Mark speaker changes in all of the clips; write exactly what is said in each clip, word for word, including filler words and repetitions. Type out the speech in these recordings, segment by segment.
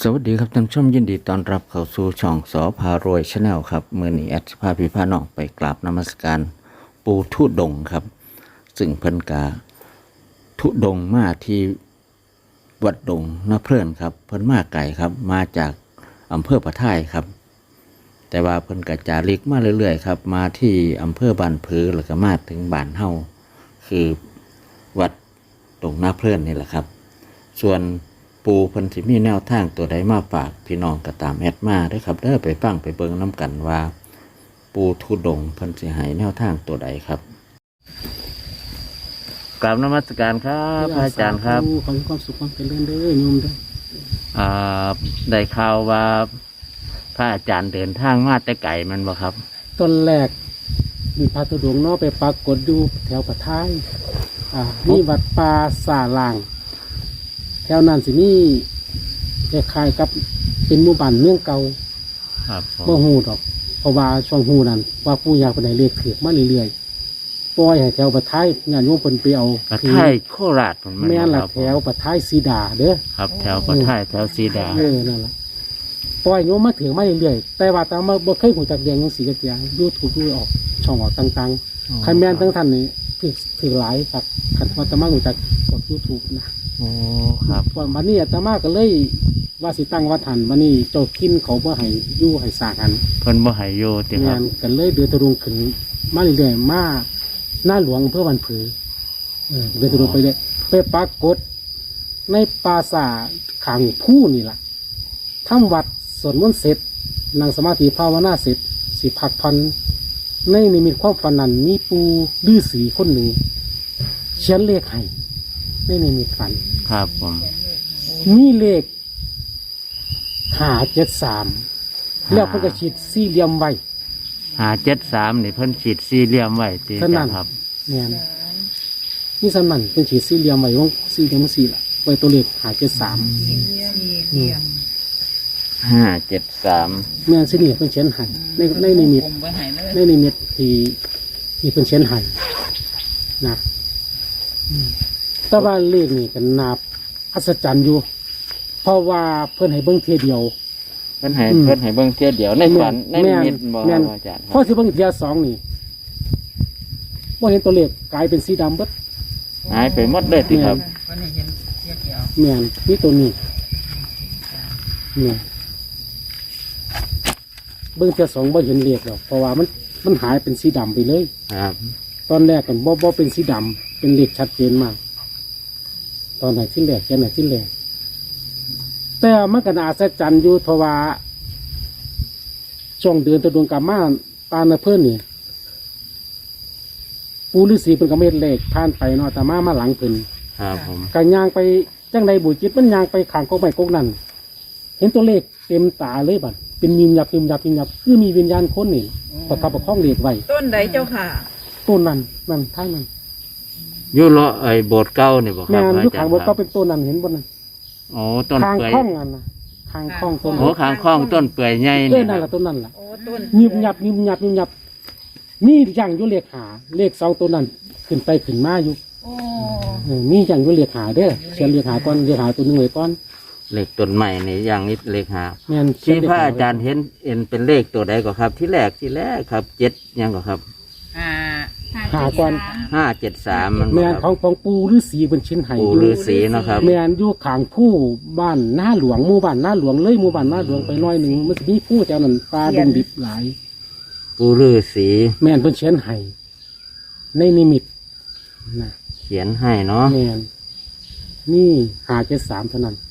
Speaker 1: สวัสดีครับท่านผู้ชมยินดีต้อนรับเข้าสู่ช่องสอพารวยชาแนลครับเมื่อนี้แอดพาพี่พาน้องไปกราบนมัสการปูทุดงค์ครับซึ่งเพิ่นกาทุดงค์มาที่วัดดงนาเพลินครับเพิ่นมาไกลครับมาจากอำเภอปะท่ายครับแต่ว่าเพิ่นกระจาริกมาเรื่อยๆครับมาที่อำเภอบ้านผือแล้วก็มาถึงบ้านเฮาคือวัดดงนาเพลินนี่แหละครับส่วนปูเพิ่นสิมีแนวทางตัวใดมาฝากพี่น้องก็ตามแอดมาเด้อครับเด้อไปฟังไปเบิ่งน้ำกันว่าปูทุดงค์เพิ่นสิให้แนวทางตัวใดครับกราบนมัสการครับพระอาจารย์ครับ
Speaker 2: ขอให้ความสุขความเจริญเด้อโยมเด้อ
Speaker 1: อ่าได้ข่าวว่าพระอาจารย์เดินทางมาแต่ไกลมันบ่ครับ
Speaker 2: ต้นแรกมีพระธุดงค์เนาะไปปรากฏอยู่แถวปะท้ายอ่ามีวัดป่าสาลางแถวนั้นสิมีคล้ายๆกับเป็นหมู่บ้านเมืองเก่า
Speaker 1: ครับ
Speaker 2: บ่ฮู้ดอกเพราะว่าช่วงฮู้นั้นว่าปู่ย่าเพิ่นให้เลขถูกมาเรื่อยๆปล่อยให้แถวปะท้ายญาติโยมเพิ่นไปเอา
Speaker 1: ปะท้ายโคราช
Speaker 2: แม่นล่ะแถวปะท้ายสีดาเด้อ
Speaker 1: ครับแถวปะท้ายแถวสีดา
Speaker 2: เออนั่นล่ะปล่อยโยมมาถึงมาเรื่อยๆแต่ว่าตามมาบ่เคยฮู้จักเรียงจังซี่จักอย่าง YouTube ดูออกช่องออกต่างๆใครแม่นทั้งท่านนี่ถือถือหลายครับคันว่าตามาฮู้จักกด YouTube นะ
Speaker 1: โอ้ครับ
Speaker 2: วันนี้อาตมาก็เลยว่าสิตั้งวัดหันวันนี้เจ้าคินเขาบ่ให้อยู่ให้สร้างกัน
Speaker 1: เพิ่นบ่ให้อยู่ติครับ
Speaker 2: กันเลยเดือดตะลุงขึ้นมาเรื่อยๆมาหน้าหลวงเพื่อวันผือเออเดือดตะลุงไปเลยไปปรากฏในปราสาทขางผู้นี่ล่ะทำวัดสวดมนต์เสร็จนั่งสมาธิภาวนาเสร็จสิพักพันในนิมิตความฝันนั้นมีปูฤาษีคนหนึ่งเขียนเลขให้ในนิมิตฝัน
Speaker 1: ครับผม
Speaker 2: มีเลขห้าเจ็ดสามแล้วเพิ่นก็ฉีดสี่เหลี่ยมไว้
Speaker 1: ห้าเจ็ดสามนี่เพิ่นฉีดสี่เหลี่ยมไว้ตีกันครับ
Speaker 2: เนี่ยนี่สนั่นเป็นฉีดสี่เหลี่ยมไว้วงสี่เหลี่ยมสี่ละไว้ตัวเลขห้าเจ็ดสาม
Speaker 1: ห้าเจ็ดสาม
Speaker 2: แม่นสินี่เพิ่นเขียนให้ในในนิมิตในนิมิตที่ที่เพิ่นเขียนให้นะแต่ว่าเลขนี่ก็นับอัศจรรย์อยู่เพราะว่าเพิ่นให้เบิ่งเทียเดียว
Speaker 1: เพิ่นให้เพิ่นให้เบิ่งเทียเดียวในฝันในนิมิตบ่อาจารย์
Speaker 2: พอสิเบิ่งเทียสองนี่บ่เห็นตัวเลขกลายเป็นสีดำเบิด
Speaker 1: หายไปหมดเลยติครับ
Speaker 2: เพิ่นให้เห็นเทียเดียวแม่นมีตัวนี้เนี่ยเบิ่งเทียสองบ่เห็นเลขหรอกเพราะว่ามันมันหายเป็นสีดำไปเลย
Speaker 1: ครับ
Speaker 2: ตอนแรกกันบ่บ่เป็นสีดำเป็นเลขชัดเจนมากตอนไหนที่แรกแค่ไหนที่แรกแต่มันก็น่าอัศจรรย์อยู่เพราะว่าช่วงเดือนตะดวงกามาปานเพิ่นนี่ปูฤาษีเป็นกระเม็ดเลขผ่านไปเนาะแต่มามาหลังเพิ่น
Speaker 1: ครับผม
Speaker 2: กันยางไปจังใดบุญจิตมันยางไปขางกกไม้กกนั่นเห็นตัวเลขเต็มตาเลยบัดเป็นยิมยับยิมยับยิมยับคือมีวิญญาณคนนี่ประคับประคองเลขไว้
Speaker 3: ต้นใดเจ้าค่ะ
Speaker 2: ต้นนั้นนั่นท่างนั้น
Speaker 1: อยู่เลาะไอ้โบสถ์เก่านี่บ่ครับ
Speaker 2: แม่นอยู่ข้างโบสถ์เก่าเป็นต้นนั้นเห็นบ่นั่น
Speaker 1: อ๋อต้นเปื่อย
Speaker 2: ข้างคล้องนั่นน่ะข้างคล้องต้น
Speaker 1: โอ้ข้างคล้องต้นเปื่อยใหญ่
Speaker 2: นี่นั่นล่ะต้นนั้นล่ะโอ้ต้นยิบยับยิบยับยิบยับมีอย่างอยู่เลขหาเลขสองต้นนั้นขึ้นไปขึ้นมาอยู่โอ้มีอย่างอยู่เลขหาเด้อเขียนเลขหาก่อนเลขหาตัวนึงไว้ก่อน
Speaker 1: เลขต้นใหม่นี่อย่างนี้เลขหา
Speaker 2: แม่น
Speaker 1: ที่พระอาจารย์เห็นเห็นเป็นเลขตัวใดก็ครับที่แรกที่แรกครับเจ็ดยังก็ครับ
Speaker 3: อ่า
Speaker 2: หาก่อน
Speaker 1: ห้าเจ็ดสามมัน
Speaker 2: แม่นของของปูฤาษีเป็นชิ้นไห้
Speaker 1: ปูฤาษีนะครับ
Speaker 2: แม่นอยู่ข้างผู้บ้านหน้าหลวงหมู่บ้านหน้าหลวงเลยหมู่บ้านหน้าหลวงไปน้อยหนึ่งมันจะมีผู้เจ้านั่นปลาดงดิบหลาย
Speaker 1: ปูฤาษี
Speaker 2: แม่นเป็นเขียนไห้ในนิมิตนะ
Speaker 1: เขียนให้เนาะ
Speaker 2: แม่นนี่หาเจ็ดสามเท่านั้น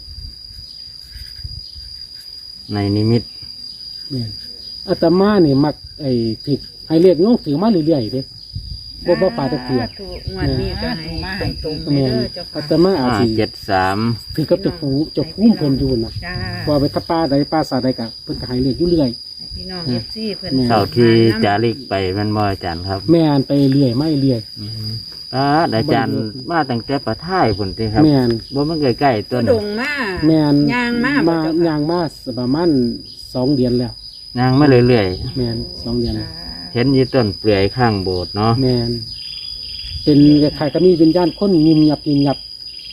Speaker 1: ในนิมิต
Speaker 2: แม่นอาตมาเนี่ยมักไอ้ผิดไอ้เรียกโยกถือมาเรื่อยๆเด้บ่บ่ปาตะเกียบ
Speaker 3: วันนี้ก็ให้มาให้ตรง
Speaker 2: แม่นอาตมาอาจสิ
Speaker 1: เจ็ดสาม
Speaker 2: ถือกับเจ้าผู้เจ้าผู้เพิ่นอยู่น่ะว่าไปถ้าป่าใดป่าสาใดก็เพิ่นก็ให้เรียกอยู่เรื่อย
Speaker 3: พี่น้อง เอฟ ซี เพิ่น
Speaker 1: เท่าที่จาริกไปแม่นบ่อาจารย์ครับ
Speaker 2: แม่นไปเรื่อยไม่เรื่อย
Speaker 1: อ่าอาจารย์มาตั้งแต่ปะท้ายพุ่นติครับ
Speaker 2: แม่น
Speaker 1: บ่มันใกล้ๆต้น
Speaker 3: ดงมา
Speaker 2: แม่น
Speaker 3: ย่างมา
Speaker 2: มาย่างมาประมาณสองเดือนแล้ว
Speaker 1: ย่างมาเรื่อย
Speaker 2: ๆแม่นสองเดือน
Speaker 1: เห็นอยู่ต้นเปลือยข้างโบสถ์เนาะ
Speaker 2: แม่นเป็นคล้ายๆก็มีวิญญาณคนยิมยับยิมยับ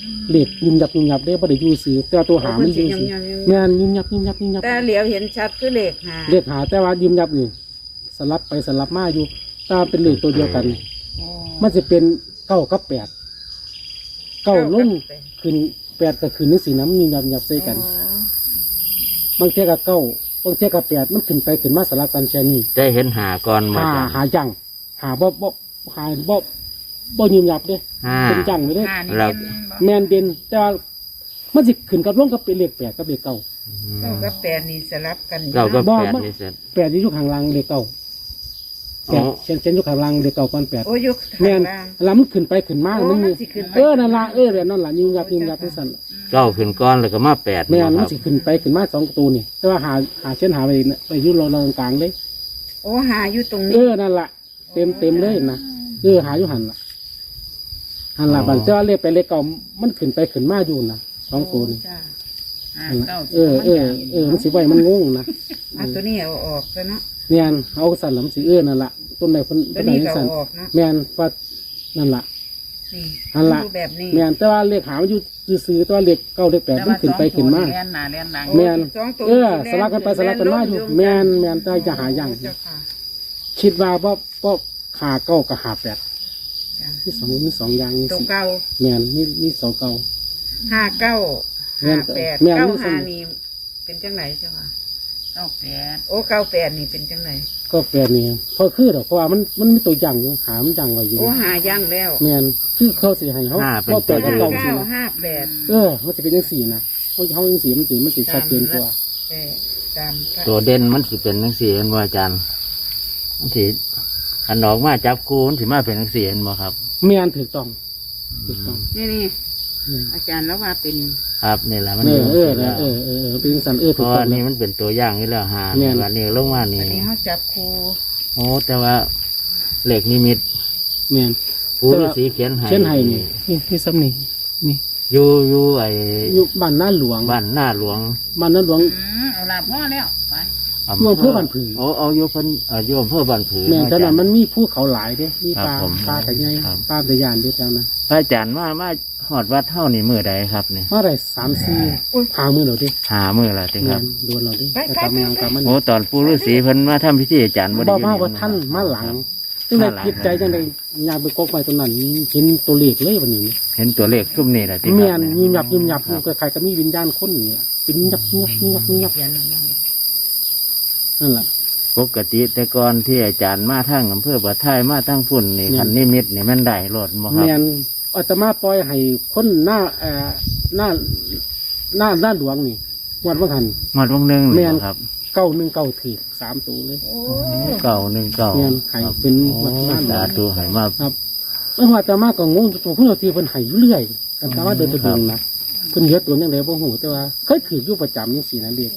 Speaker 2: เลขยุ่มยับยุ่มยับได้บ่ได้อยู่ซื้อแต่ว่าตัวหามันอยู่ซื้อแม่นยุ่มยับยุ่มยับยุ่มยับ
Speaker 3: แต่เหลียวเห็นชัดคือเลขหา
Speaker 2: เลขหาแต่ว่ายุ่มยับนี่สลับไปสลับมาอยู่ถ้าเป็นเลขตัวเดียวกัน
Speaker 3: อ๋อ
Speaker 2: มันจะเป็นเก้ากับแปดเก้าลง
Speaker 3: เก้ากับแปด
Speaker 2: ขึ้นแปดก็ขึ้นนึกสีน้ำยุ่มยับยุ่มยับใส่กัน
Speaker 3: อ๋อ
Speaker 2: บางเทียกับเก้าบางเทียกับแปดมันขึ้นไปขึ้นมาสลับกันแค่นี้
Speaker 1: ได้เห็นหาก่อนมา
Speaker 2: หา
Speaker 1: จ้ะ
Speaker 2: หาจังหาบ่บ่หาบ่บ่ยุ่มยับเด้
Speaker 1: ห้า
Speaker 2: เป็นจังไม่ได้
Speaker 3: หานี่
Speaker 1: เรา
Speaker 3: เป็นบ่
Speaker 2: แมนเด่นแต่ว่ามันสิขึ้นกับลงกับเป็นเลขแปดกับเลขเก้า
Speaker 3: เก้ากับแปดนี่สลับกันอยู่
Speaker 1: เราก็
Speaker 3: นะ
Speaker 2: บ่
Speaker 1: แปด
Speaker 2: มัน
Speaker 1: นี่เสร็จ
Speaker 2: แปดที่อยู่ข้างล่างเลขเก้าแป
Speaker 1: อ๋
Speaker 2: ด
Speaker 1: อ
Speaker 2: เช่นเช่นอยู่ข้างล่างเลขเก้าก้อนแปด
Speaker 3: โอ้ยุค
Speaker 2: แม
Speaker 3: ทาง
Speaker 2: น
Speaker 3: ล่าง
Speaker 2: แล้วมันขึ้นไปขึ้นมา
Speaker 3: โอ้
Speaker 2: มันมี
Speaker 3: มันสิขึ้นไป
Speaker 2: เออนั่นละเออแบบนั่นละยิ่งยับยิ่งยับที่สั่น
Speaker 1: เก้าขึ้นก้อนแล้วก็มาแปด
Speaker 2: แมน
Speaker 1: ค
Speaker 2: มั
Speaker 1: รั
Speaker 2: น
Speaker 1: บ
Speaker 2: สิขึ้นไปขึ้นมาสองตัวนี่แต่ว่าหาหาเช่นหาไปไปอยุ่เราเรากลางๆเลย
Speaker 3: โอ้หาอยู่ตรง
Speaker 2: เอ
Speaker 3: นี้
Speaker 2: อนั่นละเต็มเต็มเลยนะเออหาอยู่หันละหันละบันแต่ว่าเลขไปเลขเก้ามันขึ้นไปขึ้นมาอยู่นะสองตัวนี่
Speaker 3: จ้ะหา
Speaker 2: นั่นล่ะ
Speaker 3: เก้า
Speaker 2: เออเออเออมันสิไว้มันงงนะ
Speaker 3: อ่ะตัวนี้เอาออกซะเนาะ
Speaker 2: แมนเอาสั่นหลำสีเอื้อนั่นละต้นไหนคน
Speaker 3: ตั
Speaker 2: ต้
Speaker 3: วน
Speaker 2: ไหน
Speaker 3: นี้
Speaker 2: จัง
Speaker 3: ก็
Speaker 2: สั่น
Speaker 3: เอาออกเนาะ
Speaker 2: แมนฟัดนั่นละ
Speaker 3: นี่
Speaker 2: อันละ
Speaker 3: ดูแบบนี้
Speaker 2: แมนแต่ว่าเลขหามันอยู่ซื้อๆแต่ว่าเลขเก้าเลขแปดมันขึ้นไปขึ้นมา
Speaker 4: เลียนหนาเลียนหลัง
Speaker 2: แมน
Speaker 3: สองตัว
Speaker 2: เออสลับกันไปสลับกันมาอยู่แมนแมนแต่จะหาอย่าง
Speaker 3: เจ้าค่ะ
Speaker 2: คิดว่าว่าว่าขาเก้ากับหาแปด
Speaker 3: จ้ะ
Speaker 2: มีสองมีสองอย่าง
Speaker 3: ตัวเก้า
Speaker 2: แมนมีมีสองเก้า
Speaker 3: ห้าเก้า
Speaker 2: แม่
Speaker 3: ห้าน แปด
Speaker 2: แม่น
Speaker 3: เก้า
Speaker 2: มีสอง
Speaker 3: ห้านี่เป็นจังไหนเจ้าค่ะ
Speaker 4: เก้าแปด
Speaker 3: โอ้เก้าแปดนี่เป็นจังไหน
Speaker 2: ก็แปดนี่พอคือหรอกเพราะว่ามันมันมีตัวอย่างอยู่หามันอย่างไว้อยู่
Speaker 3: โอ้หาย่างแล้ว
Speaker 2: แมนคือเขาสิให้เขา
Speaker 1: ห้าเป็น
Speaker 2: ว่าแปดกับ
Speaker 3: ห้า
Speaker 2: เก้าสิ
Speaker 3: เก้า
Speaker 2: นะ
Speaker 3: ห้าแปด
Speaker 2: เออมันจะเป็นยังสี่นะเขาเขายังสี่มันสีมันสีชัดเจนกว่า
Speaker 3: แปดตามพระ
Speaker 1: ตัวเด่นมันสิเป็นทั้งสี่เห็นบ่อาจารย์มันสิขันออกมาจับคูมันสิมาเป็นทั้งสี่เห็นบ่ครับ
Speaker 2: แม่นถูกต้องถูกต้อง
Speaker 3: นี่นี่
Speaker 2: อืม
Speaker 3: อาจารย์แล้วว่าเป็น
Speaker 1: ครับนี่แหละมัน
Speaker 2: เอ
Speaker 1: อยู่
Speaker 2: อ
Speaker 1: จัง
Speaker 2: เออ
Speaker 1: ซี่
Speaker 2: เอ
Speaker 1: แล้ว
Speaker 2: อเออเออเป็นสันเออ
Speaker 1: เพ
Speaker 2: ถูก
Speaker 1: ราะ
Speaker 2: ต้อ
Speaker 1: ว่าง นี่
Speaker 2: แล้ว
Speaker 1: มันเป็นตัวอย่างนี่แล้วหา
Speaker 2: แม่น
Speaker 1: วันนี้ลงมานี่
Speaker 3: อันนี้เขาจับครู
Speaker 1: โอ้แต่ว่าเหล็กนิมิต
Speaker 2: แม่น
Speaker 1: ผู้ฤาษีเขียนให้
Speaker 2: เช่นไห้นี่นี่นี่ซ้ำนี่นี่
Speaker 1: อยู่อยู่ไอ้
Speaker 2: อยู่บ้านหน้าหลวง
Speaker 1: บ้านหน้าหลวง
Speaker 2: บ้านหน้าหลวง
Speaker 4: อืมเอาลาพ่อแล้วไป
Speaker 2: อยู่อำเภอบ้านผือ
Speaker 1: โอ้เอาอยู่เพิ่นเอ่ออยู่อำเภอบ้านผือ
Speaker 2: แม่น
Speaker 1: อา
Speaker 2: แต่
Speaker 1: จาร
Speaker 2: นั้น
Speaker 1: ย์
Speaker 2: มันมีภูเขาหลายเด้มีปลา
Speaker 1: ครับผม
Speaker 2: ปลากระไง
Speaker 1: ครับ
Speaker 2: ปลาตะยานเด้อแถวนั้น
Speaker 1: พระอาจารย์มามาหอดวัดเท่านี่มือใดครับนี่
Speaker 2: เมื่อไรสามสี่พามือเราดิ
Speaker 1: หามือละจริงค
Speaker 2: แม่
Speaker 1: รับ
Speaker 2: นดวนเราดิไปกลับมากลับมา
Speaker 1: โอ้ตอนปู่ฤาษีเพิ่นมาทำพิธีอาจารย์บ่ได้
Speaker 2: บ่
Speaker 1: อยู่
Speaker 2: มา
Speaker 1: นี่
Speaker 2: ว่าท่านมาหลังจัง
Speaker 1: มา
Speaker 2: ได
Speaker 1: หลัง
Speaker 2: คิดใจจังไดยางไปกกไว้ตรงนั้นเห็นตัวเลขเลยวันนี้
Speaker 1: เห็นตัวเลขซุ่มนี่แหละจริงค
Speaker 2: แม่
Speaker 1: รับ
Speaker 2: นยิ้มหยับยิ้มหยับอยู่ใครๆก็มีวิญญาณคนนี่ล่ะเป็นยับยับยับยับ
Speaker 3: เขียน
Speaker 2: นั่นแหละ
Speaker 1: ปกติแต่ก่อนที่อาจารย์มาทางอำเภอบ่อท้ายมาทางพุ่นนี่
Speaker 2: แม่น
Speaker 1: คันนิมิตนี่มันได้รถบ่ครับ
Speaker 2: แม่นอาตมาปล่อยให้คนหน้าเอ่อหน้าหน้าด้านหลวงนี่วัดวังหัน
Speaker 1: หมดวงหนึง
Speaker 2: แม่
Speaker 1: นี่
Speaker 2: น
Speaker 1: บ่ครับ
Speaker 2: เก้าหนึ่งเก้าถีสามตัวเลย
Speaker 3: โอ้
Speaker 1: เก้าหนึ่งเก้า
Speaker 2: แม่นให้เป็น
Speaker 1: โอ้
Speaker 2: วัดบ้าน
Speaker 1: สาธุให้มา
Speaker 2: ครับเมื่อวานอาตมาก็งงตัวผู้เราทีเพิ่นให้อยู่เรื่อยอาตมาเดินไปดูนะเพิ่นเหลือตัวยังไงบ่ฮู้แต่ว่าเคยถืออยู่ประจำจังซี่นะเรียก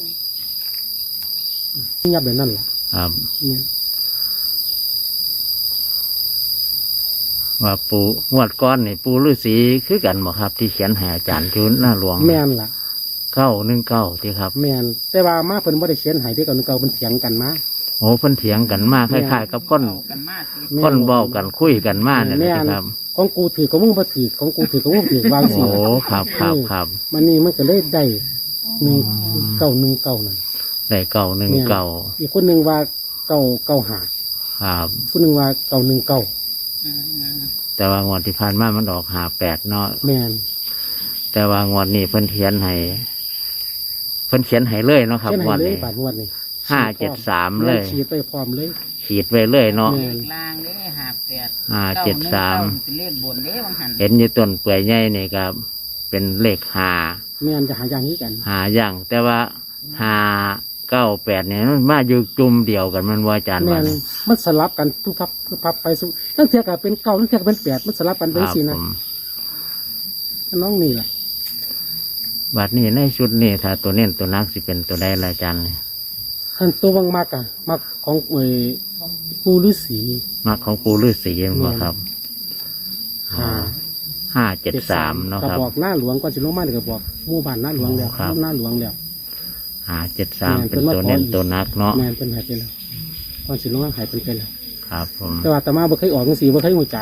Speaker 2: ยับแบบนั้นล่ะ
Speaker 1: ครับ
Speaker 2: อืม
Speaker 1: ว่าปูงวดก้อนนี่ปูฤาษีคือกันบ่ครับ ที่เขียนให้อาจารย์ชุนหน้าหลวง
Speaker 2: แม่นล่ะ
Speaker 1: เก้าหนึ่งเก้าที่ครับ
Speaker 2: แม่นแต่ว่ามาเพิ่นบ่ได้เขียนให้เด้อเก่าเก่าเพิ่นเถียงกันมา
Speaker 1: โอ้เพิ่นเถียงกันมากคล้ายๆกับคน
Speaker 4: เอากันมากสิ
Speaker 2: แม่
Speaker 1: คนเว้ากันคุยกันมากนี่แหละครับ
Speaker 2: ของกูถือของมึงบ่ถือของกูถือของมึงถือวางสิ
Speaker 1: โอ้ครับครับครับ
Speaker 2: มันนี่มันก็เลยได้หนึ่งเก้าหนึ่งเก้านั่น
Speaker 1: ได้เก้าหนึ่งเก้า
Speaker 2: อีกคนหนึ่งว่าเก้าเก้าหา
Speaker 1: ครับ
Speaker 2: คนหนึ่งว่าเก้าหนึ่งเก้า
Speaker 4: อืม
Speaker 1: แต่ว่างวดที่ผ่านมามันออกหาแปดเนาะ
Speaker 2: แม่น
Speaker 1: แต่ว่างวดนี้เพิ่นเขียนให้เพิ่นเขียนให้เลยเนาะครับ
Speaker 2: เช่น
Speaker 1: ง
Speaker 2: ให้
Speaker 1: วด
Speaker 2: เลย
Speaker 1: นี้
Speaker 2: บาทงวดนี่
Speaker 1: ห้าเจ็ดสามเลย
Speaker 2: ฉีดไปพร้อมเลย
Speaker 1: ขีดไว้เลยเนาะ
Speaker 2: แม่
Speaker 4: เลขล่างเด้หาแปด
Speaker 1: ห้าเจ็ดสาม
Speaker 4: เก้หนึ่งเก้เป็นเลขบนเด้บางหัน
Speaker 1: เห็นอยู่ต้นเปื่อยใหญ่นี่ครับ เป็นเลขหา
Speaker 2: แม่นจะหาอย่างนี้กัน
Speaker 1: หาอย่าง แต่ว่าหาเก้าแปดเนี่ยมันมาอยู่จุ่มเดียวกันมันว่าอาจารย์
Speaker 2: แม่
Speaker 1: ว่าน
Speaker 2: มันสลับกันทุกพับทุกพับไปสุตั้งเทียกับเป็นเก้าตั้งเทียกับเป็นแปดมันสลับกัน
Speaker 1: ค
Speaker 2: เป็น
Speaker 1: รับ
Speaker 2: สี่
Speaker 1: ผ
Speaker 2: นะ
Speaker 1: ม
Speaker 2: น้องนี่แหละ
Speaker 1: บัดนี้ในชุดนี้ถ้าตัวเน้นตัวนักสิเป็นตัวใดละอาจารย์
Speaker 2: ขันตัวบางมากอะมากของเอ่ยปูฤาษี
Speaker 1: มักของปูฤาษีมั้งบ่ครับ
Speaker 2: ห้า
Speaker 1: ห้าเจ็ดสามเนาะ
Speaker 2: กระ
Speaker 1: ครับ
Speaker 2: บอกหน้าหลวงก่อนสิลงมาเดี๋ยวกระบอกหมู่บ้านหน้าหลวงแล้ว
Speaker 1: ครับ
Speaker 2: หน้าหลวงแล้ว
Speaker 1: ห้าเจ็ดสาม
Speaker 2: แม่น
Speaker 1: เป็น
Speaker 2: เป็น
Speaker 1: ตัว
Speaker 2: มาขอ
Speaker 1: เน้น
Speaker 2: อีก
Speaker 1: ตัวนักเนาะ
Speaker 2: แม่นเป็นหายไปแล้วก่อนสิลงมาหายเป็นไปแล้ว
Speaker 1: ครับผม
Speaker 2: แต่ว่าอาตมาบ่เคยออกจังซี่บ่เคยหูจัก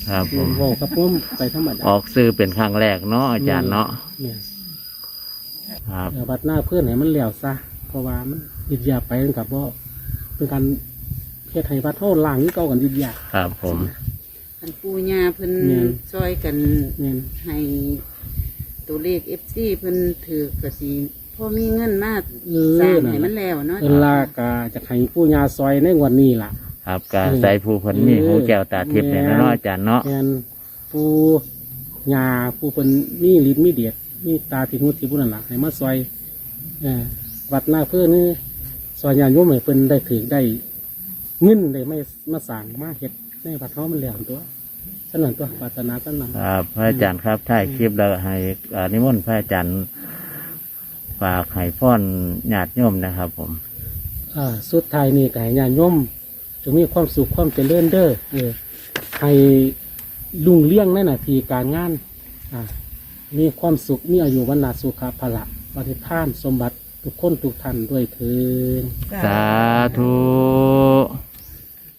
Speaker 1: ครับผม
Speaker 2: เว้ากับผมไปธรรมดา
Speaker 1: ออกซื้อเป็นครั้งแรกเนาะอาจารย์เนาะ
Speaker 2: เนี่ย
Speaker 1: ครับ
Speaker 2: เดี๋ยวบัดหน้าเพื่อนให้มันแล้วซะเพราะว่ามันยึดยาไปกันกับว่าเป็นการเฮ็ดให้วัดเท่าล่างนี่เก่ากันยึดยา
Speaker 1: ครับผม
Speaker 3: อันปูญาเพิ่น
Speaker 2: แม่น
Speaker 3: ซอยกัน
Speaker 2: เนี่ย
Speaker 3: ให้ตัวเลขเอฟซีเพิ่นถือกระสีพ่อมีเงินมา
Speaker 2: เอ
Speaker 3: สร้าง
Speaker 2: อ
Speaker 3: ให้มันแล้วเนาะ
Speaker 2: เวลากาจะให้ผู้ยาซอยในงวันนี้ล่ะ
Speaker 1: ครับกาใส่ผู้เพิ่นมีหูแก้วตาทิพย์เนี่ยเนาะอาจารย์เนาะ
Speaker 2: แทนผู้ยาผู้เป็นมีลิ้นมีเดียดมีตาที่มุดที่บุญนั่นล่ะให้มาซอยเออวัดหน้าเพื่อนนี่ซอยยาโยมให้เพิ่นได้ถือได้เงินได้ไม่มาสั่งมาเฮ็ดในวัดเฮามันแล้วตัวฉะนั้นตัวปรารถนาฉะนั้น
Speaker 1: ครับพระอาจารย์ครับถ่ายคลิปแล้วให้อ่านิมนต์พระอาจารย์ฝากให้พรญาติโยมนะครับ ผม
Speaker 2: อ่าสุดท้ายนี่ก็ให้ญาติโยมจงมีความสุขความเจริญเด้อเออให้ลุงเลี้ยงในหน้าที่การงานอ่ามีความสุขมีอายุวันนาสุขภาละปฏิภาณสมบัติทุกคนทุกท่านด้วยเถิด
Speaker 1: สาธุ